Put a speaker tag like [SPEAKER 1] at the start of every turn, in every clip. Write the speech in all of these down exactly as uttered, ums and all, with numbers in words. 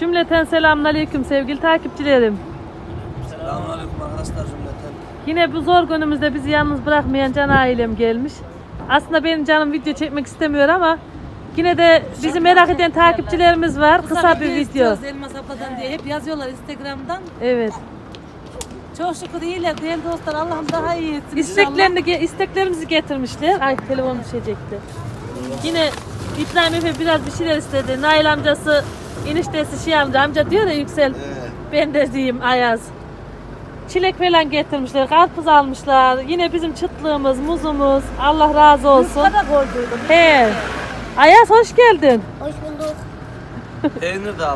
[SPEAKER 1] Cümleten selamünaleyküm sevgili takipçilerim.
[SPEAKER 2] Selamünaleyküm arkadaşlar cümleten.
[SPEAKER 1] Yine bu zor günümüzde bizi yalnız bırakmayan Can ailem gelmiş. Aslında benim canım video çekmek istemiyor ama yine de bizi merak eden takipçilerimiz var. Kısa bir video.
[SPEAKER 3] Elmas abladan diye hep yazıyorlar Instagram'dan.
[SPEAKER 1] Evet.
[SPEAKER 3] Çok şükür iyiler değerli dostlar. Allah'ım daha iyi etsin.
[SPEAKER 1] İsteklerini, isteklerimizi getirmişler. Ay telefon düşecekti. Yine İbrahim Efe biraz bir şeyler istedi. Nail amcası, eniştesi şey amca, amca diyor ya Yüksel.
[SPEAKER 2] Ee,
[SPEAKER 1] Ben de diyeyim Ayaz. Çilek falan getirmişler, karpuz almışlar. Yine bizim çıtlığımız, muzumuz. Allah razı olsun.
[SPEAKER 3] Yufka da koyduydum.
[SPEAKER 1] He. Ayaz hoş geldin.
[SPEAKER 3] Hoş bulduk.
[SPEAKER 2] peynir de aldım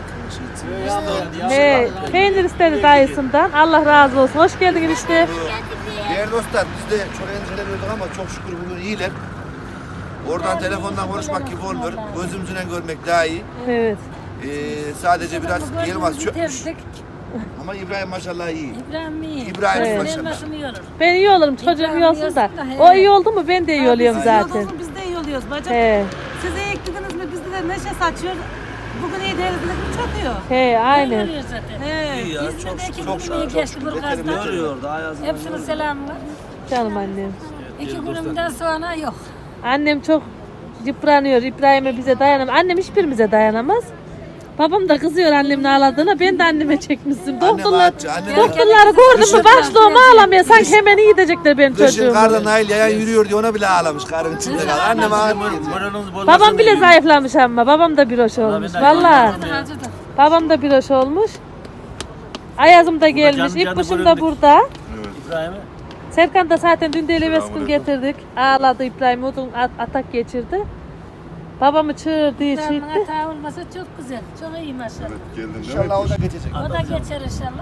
[SPEAKER 2] geldim.
[SPEAKER 1] He. Peynir istedi dayısından. Allah razı olsun. Hoş geldin işte.
[SPEAKER 4] Değerli dostlar biz de çok endişeleniyorduk ama çok şükür bugün iyiler. Oradan telefondan konuşmak gibi olmuyor. Gözümüzle görmek daha iyi.
[SPEAKER 1] Evet.
[SPEAKER 4] Ee, sadece biraz Yılmaz çökmüş.
[SPEAKER 3] Bitirdik.
[SPEAKER 4] Ama İbrahim maşallah iyi.
[SPEAKER 3] İbrahim iyi.
[SPEAKER 4] İbrahim
[SPEAKER 1] Evet.
[SPEAKER 4] maşallah.
[SPEAKER 3] Elmasını yiyoruz.
[SPEAKER 1] Ben iyi olurum. Çocuğum
[SPEAKER 3] İbrahim
[SPEAKER 1] iyi olsun da.
[SPEAKER 3] yiyorsun da, he.
[SPEAKER 1] O iyi oldu mu ben de iyi oluyorum
[SPEAKER 3] Biz iyi
[SPEAKER 1] zaten.
[SPEAKER 3] olduğumuz biz de iyi oluyoruz bacım.
[SPEAKER 1] He.
[SPEAKER 3] Siz iyi eklediniz mi bizde de neşe saçıyor. Bugün iyi değiliz mi çakıyor.
[SPEAKER 1] He aynen.
[SPEAKER 3] He.
[SPEAKER 2] İyi ya,
[SPEAKER 3] Biz
[SPEAKER 2] çok
[SPEAKER 3] de
[SPEAKER 2] şükür,
[SPEAKER 3] iki
[SPEAKER 2] çok
[SPEAKER 3] günü iyi
[SPEAKER 4] şükür,
[SPEAKER 3] geçti
[SPEAKER 4] çok
[SPEAKER 3] bu
[SPEAKER 4] şükür.
[SPEAKER 3] gazda.
[SPEAKER 2] Görüyordu Ayaz'ın.
[SPEAKER 3] Hepsine selamlar.
[SPEAKER 1] Canım annem.
[SPEAKER 3] İki günümden sonra yok.
[SPEAKER 1] Annem çok yıpranıyor. İbrahim'e bize dayanamaz. Annem hiçbirimize dayanamaz. Babam da kızıyor annemin ağladığına. Ben de anneme çekmişsin. Doktorlar,
[SPEAKER 4] ağaççı, annem
[SPEAKER 1] doktorları gördün mü başlığımı ağlamaya. Sanki hemen iyi edecekler benim
[SPEAKER 4] Kışın
[SPEAKER 1] çocuğumu.
[SPEAKER 4] karda Nail yayan yürüyor diye ona bile ağlamış karın içinde kaldı. Annem ağlıyor.
[SPEAKER 1] Babam bile zayıflamış ama. Babam da bir hoş olmuş. Valla. Babam da bir hoş olmuş. Ayazım da gelmiş. İpkuşum da burada.
[SPEAKER 2] İbrahim'e.
[SPEAKER 1] Serkan da zaten dün de eleveskun getirdik. Ağladı İbrahim. Odun at- atak geçirdi. Babamı çığırdı, işitti.
[SPEAKER 3] Hata olmasa çok güzel. Çok iyi maşallah.
[SPEAKER 4] İnşallah o da geçecek.
[SPEAKER 3] O da geçer inşallah.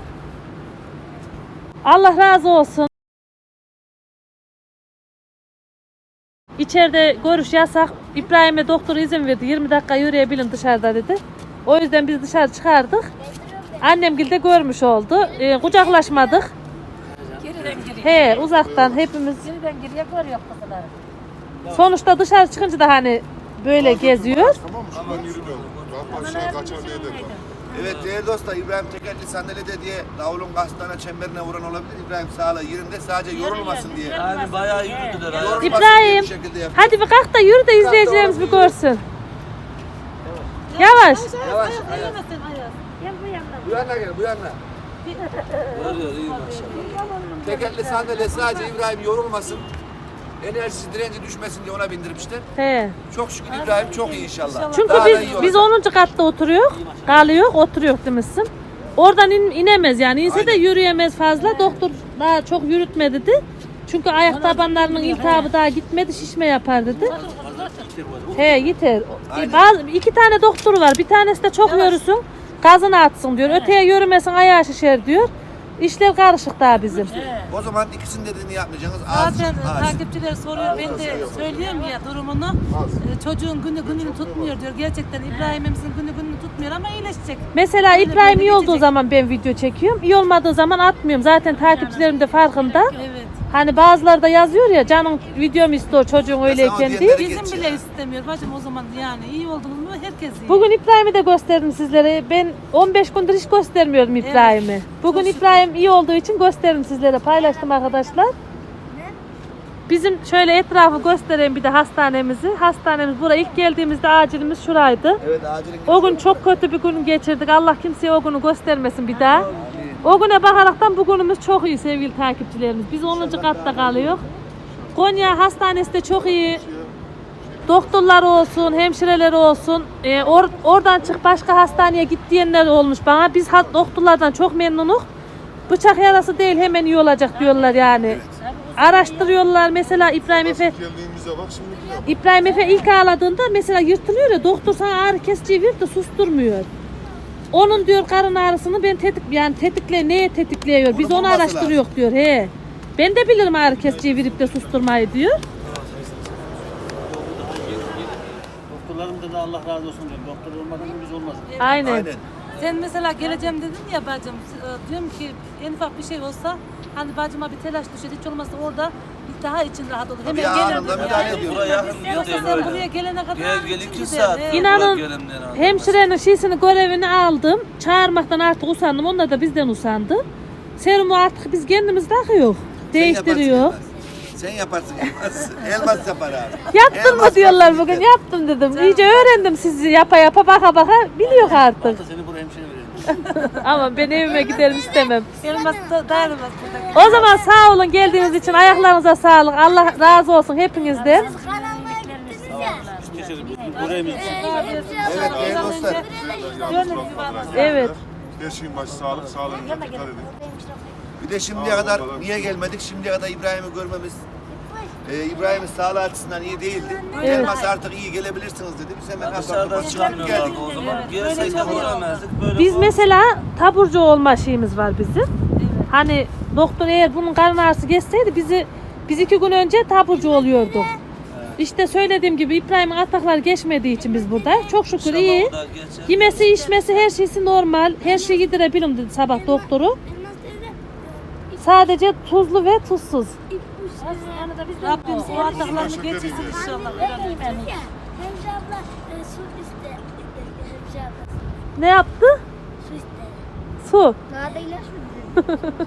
[SPEAKER 1] Allah razı olsun. İçeride görüş yasak. İbrahim'e doktor izin verdi. yirmi dakika yürüyebilin dışarıda dedi. O yüzden biz dışarı çıkardık. Annemgil de görmüş oldu. Ee, kucaklaşmadık.
[SPEAKER 3] Geriden geriye.
[SPEAKER 1] He, uzaktan hepimiz.
[SPEAKER 3] Geriden geriye görüyor kızları.
[SPEAKER 1] Sonuçta dışarı çıkınca da hani böyle geziyor.
[SPEAKER 5] Tamam mı? Şuradan yürümüyorum. Daha aşağı kaçar diye de.
[SPEAKER 4] Evet değerli dostlar İbrahim tekerli sandalyede diye davulun kastana çemberine vuran olabilir. İbrahim sağlığı yerinde sadece yorulmasın diye.
[SPEAKER 2] Yani bayağı yürüdüler. Ayaz.
[SPEAKER 4] Yorulmasın diye
[SPEAKER 1] İbrahim,
[SPEAKER 4] bu şekilde yapıyor.
[SPEAKER 1] hadi bir kalk da yürü de izleyicilerimiz bir görsün. Yavaş.
[SPEAKER 4] Yavaş.
[SPEAKER 3] Ellemesin Ayaz. Gel bu yanına.
[SPEAKER 4] Bu yana gel bu yana.
[SPEAKER 2] Görüyor iyi maşallah.
[SPEAKER 4] Tekerli sandalye sadece İbrahim yorulmasın. Enerjisi direnci düşmesin diye ona bindirmişler.
[SPEAKER 1] He.
[SPEAKER 4] Çok şükür İbrahim çok iyi inşallah.
[SPEAKER 1] Çünkü
[SPEAKER 4] Daha da iyi
[SPEAKER 1] biz
[SPEAKER 4] olacak.
[SPEAKER 1] biz onuncu katta oturuyor, kalıyor, oturuyor demişsin. Oradan in, inemez yani. İnse de
[SPEAKER 4] Aynen.
[SPEAKER 1] yürüyemez fazla. Doktor daha çok yürütme dedi. Çünkü ayak tabanlarının iltihabı daha gitmedi, şişme yapar dedi. He yeter.
[SPEAKER 4] Aynen.
[SPEAKER 1] Bazı iki tane doktoru var. Bir tanesi de çok yürüsün, gazını atsın diyor. Öteye yürümesin, ayağı şişer diyor. İşler karışık daha bizim.
[SPEAKER 4] O zaman ikisinin dediğini yapmayacaksınız. Az,
[SPEAKER 3] Zaten
[SPEAKER 4] az.
[SPEAKER 3] takipçiler soruyor. Ben de söylüyorum ya durumunu. Ee, Çocuğun günü gününü tutmuyor diyor. Gerçekten İbrahim'imizin günü gününü tutmuyor ama iyileşecek.
[SPEAKER 1] Mesela
[SPEAKER 3] Böyle
[SPEAKER 1] İbrahim
[SPEAKER 3] böyle
[SPEAKER 1] iyi olduğu
[SPEAKER 3] geçecek.
[SPEAKER 1] zaman ben video çekiyorum. İyi olmadığı zaman atmıyorum. Zaten takipçilerim de farkında.
[SPEAKER 3] Evet.
[SPEAKER 1] Hani bazıları da yazıyor ya canım videomu istiyor çocuğun öyleyken
[SPEAKER 4] o
[SPEAKER 1] değil.
[SPEAKER 4] diyenleri-
[SPEAKER 3] Bizim
[SPEAKER 4] Geç
[SPEAKER 3] bile
[SPEAKER 4] ya.
[SPEAKER 3] istemiyor bacım o zaman yani iyi olduğumuz mu herkes iyi.
[SPEAKER 1] Bugün İbrahim'i de gösterdim sizlere. Ben on beş gündür hiç göstermiyordum İbrahim'i. Bugün İbrahim iyi olduğu için gösterdim sizlere. Paylaştım arkadaşlar. Bizim şöyle etrafı göstereyim bir de hastanemizi. Hastanemiz buraya ilk geldiğimizde acilimiz şuraydı.
[SPEAKER 4] Evet acilin.
[SPEAKER 1] O gün çok kötü bir gün geçirdik. Allah kimseye o günü göstermesin bir daha. O güne bakaraktan bugünümüz çok iyi sevgili takipçilerimiz. Biz onuncu katta kalıyoruz. Konya Hastanesi de çok iyi. Doktorlar olsun, hemşireler olsun. Ee, or- oradan çık başka hastaneye git diyenler olmuş bana. Biz ha- doktorlardan çok memnunuz. Bıçak yarası değil hemen iyi olacak diyorlar yani. Araştırıyorlar. Mesela İbrahim Efe
[SPEAKER 5] Geldiğimizde bak şimdi.
[SPEAKER 1] İbrahim Efe ilk ağladığında mesela yırtılıyor ya doktor sana ağrı kesici ver de susturmuyor. Onun diyor karın ağrısını ben tetik yani tetikle neye tetikliyor? Biz
[SPEAKER 4] Onu
[SPEAKER 1] onu
[SPEAKER 4] bulması
[SPEAKER 1] araştırıyor diyor. He. Ben de bilirim ağrı kesiciyi verip de susturmayı diyor.
[SPEAKER 2] Doktorlarımda da Allah razı olsun diyorum. Doktor olmadan biz olmaz.
[SPEAKER 1] Aynen.
[SPEAKER 4] Aynen.
[SPEAKER 3] Sen mesela geleceğim dedin ya bacım. e, Diyorum ki en ufak bir şey olsa hani bacıma bir telaş düşer hiç olmazsa orada daha için rahat olur.
[SPEAKER 4] Tabii
[SPEAKER 3] Hemen
[SPEAKER 4] anında
[SPEAKER 3] gelirdim
[SPEAKER 4] müdahale
[SPEAKER 3] yani.
[SPEAKER 4] ediyor.
[SPEAKER 6] Buraya yakın
[SPEAKER 3] Yoksa
[SPEAKER 6] gidiyor
[SPEAKER 3] sen
[SPEAKER 6] böyle.
[SPEAKER 3] buraya gelene kadar
[SPEAKER 6] Gel gel
[SPEAKER 3] için
[SPEAKER 6] iki
[SPEAKER 3] gider,
[SPEAKER 6] saat.
[SPEAKER 3] evet.
[SPEAKER 1] İnanın
[SPEAKER 6] Buraya gelemden aldım.
[SPEAKER 1] hemşirenin şişini görevini aldım. Çağırmaktan artık usandım. Onlar da bizden usandı. Serumu artık biz kendimiz takıyoruz. Değiştiriyor.
[SPEAKER 4] Sen yaparsın Elmas. Elmas yapar abi.
[SPEAKER 1] Yaptın mı
[SPEAKER 4] Elmas
[SPEAKER 1] diyorlar
[SPEAKER 4] yapsın
[SPEAKER 1] bugün.
[SPEAKER 4] yeter.
[SPEAKER 1] Yaptım dedim. İyice öğrendim sizi yapa yapa baka baka biliyor artık.
[SPEAKER 2] Hatta seni buraya hemşire verelim.
[SPEAKER 1] Ama ben evime giderim istemem.
[SPEAKER 3] Elmas da dayanamaz burada.
[SPEAKER 1] O zaman sağ olun geldiğiniz için ayaklarınıza sağlık. Allah razı olsun hepinizden.
[SPEAKER 7] Kanalına gittiniz ya.
[SPEAKER 2] Geçelim. Burayımız.
[SPEAKER 4] Evet değerli dostlar.
[SPEAKER 1] Evet.
[SPEAKER 5] Her şeyin başı sağlık, sağlığınıza dikkat edin.
[SPEAKER 4] Bir de şimdiye kadar niye gelmedik? Şimdiye kadar İbrahim'i görmemiz e, İbrahim'in sağlığı açısından iyi değildi. Elmas artık iyi gelebilirsiniz dedi. Biz hemen
[SPEAKER 6] Dışarıdan
[SPEAKER 4] hafif çıkartıp geldik.
[SPEAKER 6] çıkamıyorlardı o zaman. Gelseydik göremezdik. Böyle
[SPEAKER 1] Biz
[SPEAKER 6] falan.
[SPEAKER 1] mesela taburcu olma şeyimiz var bizim. Hani doktor eğer bunun karın ağrısı geçseydi bizi biz iki gün önce taburcu oluyorduk. İşte söylediğim gibi İbrahim'in atakları geçmediği için biz buradayız. Çok şükür
[SPEAKER 6] İnşallah
[SPEAKER 1] iyi.
[SPEAKER 6] o da geçer.
[SPEAKER 1] Yemesi içmesi her şeysi normal. Her şeyi yedirebilirim dedi sabah doktoru. Sadece tuzlu ve tuzsuz.
[SPEAKER 3] Rabbim o ataklarını geçirsin inşallah.
[SPEAKER 7] Hemşire abla e, su iste. Hemşire abla
[SPEAKER 1] Ne yaptı?
[SPEAKER 7] su iste.
[SPEAKER 1] Su.
[SPEAKER 7] Daha da ilaç mı?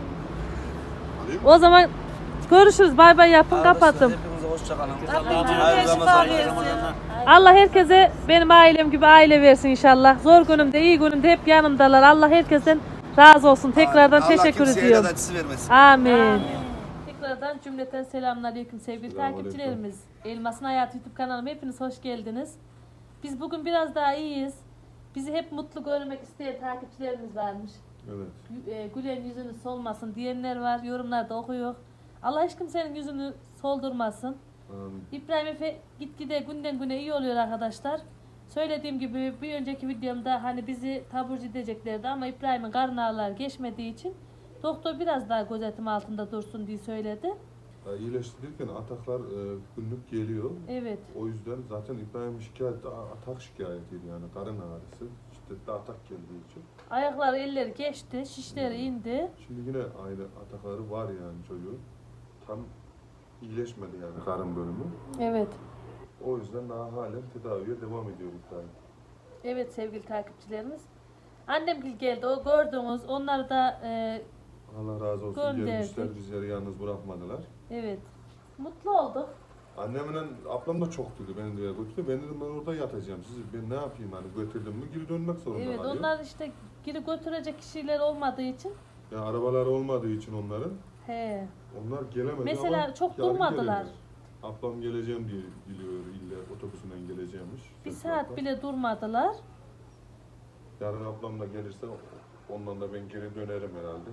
[SPEAKER 1] O zaman görüşürüz. Bay bay yapın.
[SPEAKER 6] Arkadaşlar,
[SPEAKER 1] Kapattım.
[SPEAKER 6] Hepinize hoşçakalın.
[SPEAKER 3] Rabbim
[SPEAKER 6] Hayırlı
[SPEAKER 3] şifa
[SPEAKER 6] Ramazanlar.
[SPEAKER 3] versin.
[SPEAKER 1] Allah herkese benim ailem gibi aile versin inşallah. Zor günümde, iyi günümde hep yanımdalar. Allah herkesten razı olsun. Tekrardan
[SPEAKER 4] Allah
[SPEAKER 1] teşekkür
[SPEAKER 4] kimseye
[SPEAKER 1] ediyorum.
[SPEAKER 4] evlat acısı vermesin.
[SPEAKER 1] Amin. Tekrardan cümleten selamünaleyküm sevgili takipçilerimiz. Elmas'ın Hayatı YouTube kanalıma hepiniz hoş geldiniz. Biz bugün biraz daha iyiyiz. Bizi hep mutlu görmek isteyen takipçilerimiz varmış.
[SPEAKER 5] Evet.
[SPEAKER 1] Gü- e, Gülen yüzünü solmasın diyenler var. Yorumlarda okuyor. Allah hiç kimsenin yüzünü soldurmasın.
[SPEAKER 5] Amin.
[SPEAKER 1] İbrahim Efe gitgide günden güne iyi oluyor arkadaşlar. Söylediğim gibi bir önceki videomda hani bizi taburcu edeceklerdi ama İbrahim'in karın ağrıları geçmediği için doktor biraz daha gözetim altında dursun diye söyledi.
[SPEAKER 5] Ya iyileştirirken ataklar e, günlük geliyor.
[SPEAKER 1] Evet.
[SPEAKER 5] O yüzden zaten İbrahim şikayeti atak şikayetiydi yani karın ağrısı. Şiddetli atak geldiği için.
[SPEAKER 1] Ayakları elleri geçti, şişleri indi.
[SPEAKER 5] Şimdi yine aynı atakları var yani çocuğun. Tam iyileşmedi yani karın bölümü.
[SPEAKER 1] Evet.
[SPEAKER 5] O yüzden daha halen tedaviye devam ediyor İbrahim.
[SPEAKER 1] Evet sevgili takipçilerimiz. Annem geldi, o gördüğünüz onları da e,
[SPEAKER 5] Allah razı olsun.
[SPEAKER 1] Gönderdik.
[SPEAKER 5] Gelmişler bizleri yalnız bırakmadılar.
[SPEAKER 1] evet mutlu olduk.
[SPEAKER 5] Annemle ablam da çok dedi beni diye götürdü. Ben dedim ben orada yatacağım. Siz ben ne yapayım hani götürdüm mü geri dönmek zorunda
[SPEAKER 1] Evet
[SPEAKER 5] kalıyor.
[SPEAKER 1] onlar işte geri götürecek kişiler olmadığı için.
[SPEAKER 5] Ya arabalar olmadığı için onların.
[SPEAKER 1] He.
[SPEAKER 5] Onlar gelemedi
[SPEAKER 1] Mesela
[SPEAKER 5] ama
[SPEAKER 1] çok
[SPEAKER 5] yarın
[SPEAKER 1] durmadılar.
[SPEAKER 5] gelirler. Ablam geleceğim diye biliyor illa otobüsünden geleceğimmiş.
[SPEAKER 1] Bir
[SPEAKER 5] Sesli
[SPEAKER 1] saat
[SPEAKER 5] ablam.
[SPEAKER 1] bile durmadılar.
[SPEAKER 5] Yarın ablam da gelirse ondan da ben geri dönerim herhalde.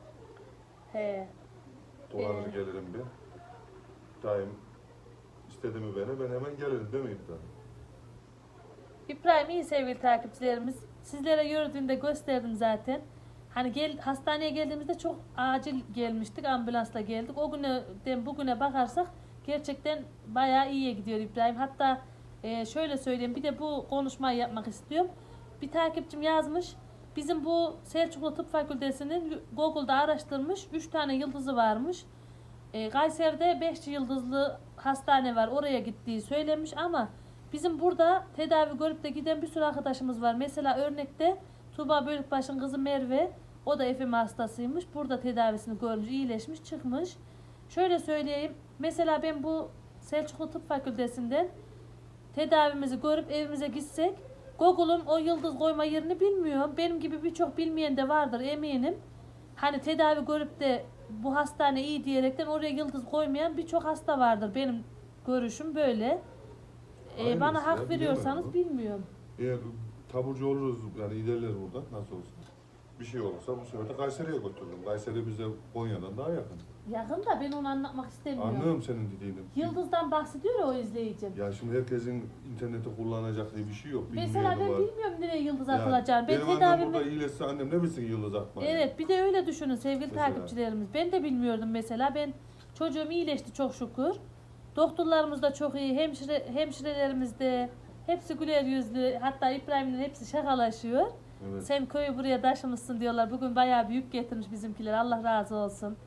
[SPEAKER 1] He.
[SPEAKER 5] Dolanır
[SPEAKER 1] Ee.
[SPEAKER 5] gelirim bir. Daim istedi mi beni ben hemen gelirim değil mi İbrahim?
[SPEAKER 1] İbrahim iyi sevgili takipçilerimiz. Sizlere yürüdüğünde gösterdim zaten. Hani gel, hastaneye geldiğimizde çok acil gelmiştik. Ambulansla geldik. O günden bugüne bakarsak gerçekten bayağı iyiye gidiyor İbrahim. Hatta e, şöyle söyleyeyim bir de bu konuşmayı yapmak istiyorum. Bir takipçim yazmış. Bizim bu Selçuklu Tıp Fakültesi'nin Google'da araştırmış. üç tane yıldızı varmış. E, Kayseri'de beş yıldızlı hastane var. Oraya gittiği söylemiş ama bizim burada tedavi görüp de giden bir sürü arkadaşımız var. Mesela örnekte Tuğba Bölükbaş'ın kızı Merve, o da F M hastasıymış. Burada tedavisini görmüş, iyileşmiş, çıkmış. Şöyle söyleyeyim. Mesela ben bu Selçuklu Tıp Fakültesinden tedavimizi görüp evimize gitsek, Google'un o yıldız koyma yerini bilmiyorum. Benim gibi birçok bilmeyen de vardır eminim. Hani tedavi görüp de bu hastane iyi diyerekten oraya yıldız koymayan birçok hasta vardır. Benim görüşüm böyle. Ee,
[SPEAKER 5] Aynısı
[SPEAKER 1] bana
[SPEAKER 5] ya,
[SPEAKER 1] hak veriyorsanız
[SPEAKER 5] bilemem
[SPEAKER 1] bilmiyorum.
[SPEAKER 5] Eğer taburcu oluruz yani ilerler burada nasıl olsun. Bir şey olursa bu sefer de Kayseri'ye götürürüm. Kayseri bize Konya'dan daha yakın.
[SPEAKER 1] Yakın da ben onu anlatmak istemiyorum.
[SPEAKER 5] Anlıyorum senin dediğini.
[SPEAKER 1] Yıldız'dan bahsediyor ya o izleyicim.
[SPEAKER 5] Ya şimdi herkesin interneti kullanacak diye bir şey yok.
[SPEAKER 1] Mesela ben
[SPEAKER 5] Bilmeyeni var.
[SPEAKER 1] bilmiyorum nereye yıldız
[SPEAKER 5] Yani
[SPEAKER 1] atılacağını. Ben
[SPEAKER 5] benim annem
[SPEAKER 1] tedavimi...
[SPEAKER 5] burada iyileşse annem ne bilsin yıldız atmayı.
[SPEAKER 1] Evet bir de öyle düşünün sevgili
[SPEAKER 5] Mesela.
[SPEAKER 1] takipçilerimiz. Ben de bilmiyordum mesela. Ben çocuğum iyileşti çok şükür. Doktorlarımız da çok iyi. Hemşire, hemşirelerimiz de hepsi güler yüzlü. Hatta İbrahim'in hepsi şakalaşıyor.
[SPEAKER 5] Evet.
[SPEAKER 1] Sen köyü buraya taşımışsın diyorlar. Bugün bayağı büyük getirmiş bizimkiler. Allah razı olsun.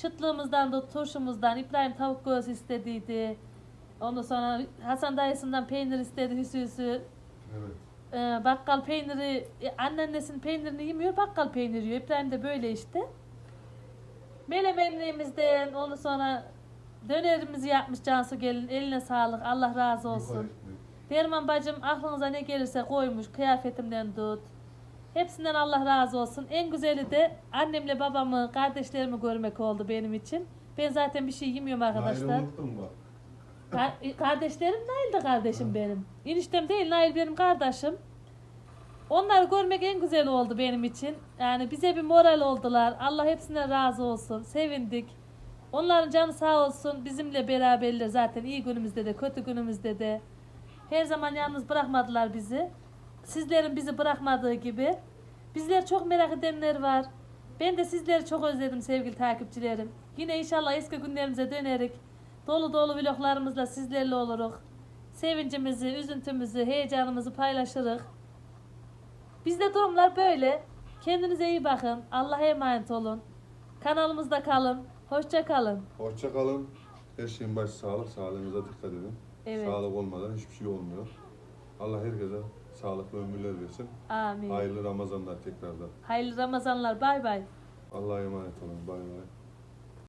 [SPEAKER 1] Çıtlığımızdan da turşumuzdan İbrahim tavuk göğsü istediydi. Ondan sonra Hasan dayısından peynir istedi hüsü hüsü.
[SPEAKER 5] Evet.
[SPEAKER 1] Ee, bakkal peyniri, e, anneannesinin peynirini yemiyor, bakkal peyniri yiyor. İbrahim de böyle işte. Melemenliğimizden, ondan sonra dönerimizi yapmış Cansu gelin, eline sağlık, Allah razı olsun.
[SPEAKER 5] Yukarı gitmek.
[SPEAKER 1] Derman bacım aklınıza ne gelirse koymuş, kıyafetimden tut. Hepsinden Allah razı olsun. En güzeli de annemle babamı, kardeşlerimi görmek oldu benim için. Ben zaten bir şey yemiyorum arkadaşlar.
[SPEAKER 5] Nail'i unuttun mu?
[SPEAKER 1] Ka- kardeşlerim Nail de kardeşim benim. Eniştem değil, Nail benim kardeşim. Onları görmek en güzel oldu benim için. Yani bize bir moral oldular. Allah hepsine razı olsun. Sevindik. Onların canı sağ olsun. Bizimle beraberler zaten iyi günümüzde de kötü günümüzde de. Her zaman yalnız bırakmadılar bizi. Sizlerin bizi bırakmadığı gibi. Bizler çok merak edenler var. Ben de sizleri çok özledim sevgili takipçilerim. Yine inşallah eski günlerimize dönerik. Dolu dolu vloglarımızla sizlerle oluruz. Sevincimizi, üzüntümüzü, heyecanımızı paylaşırız. Bizde durumlar böyle. Kendinize iyi bakın. Allah'a emanet olun. Kanalımızda kalın. Hoşça kalın.
[SPEAKER 5] Hoşça kalın. Her şeyin başı sağlık. Sağlığınıza dikkat edin.
[SPEAKER 1] Evet.
[SPEAKER 5] Sağlık olmadan hiçbir şey olmuyor. Allah herkese sağlıklı ömürler versin.
[SPEAKER 1] Amin.
[SPEAKER 5] Hayırlı Ramazanlar tekrardan.
[SPEAKER 1] Hayırlı Ramazanlar. Bay bay.
[SPEAKER 5] Allah'a emanet olun. Bay bay.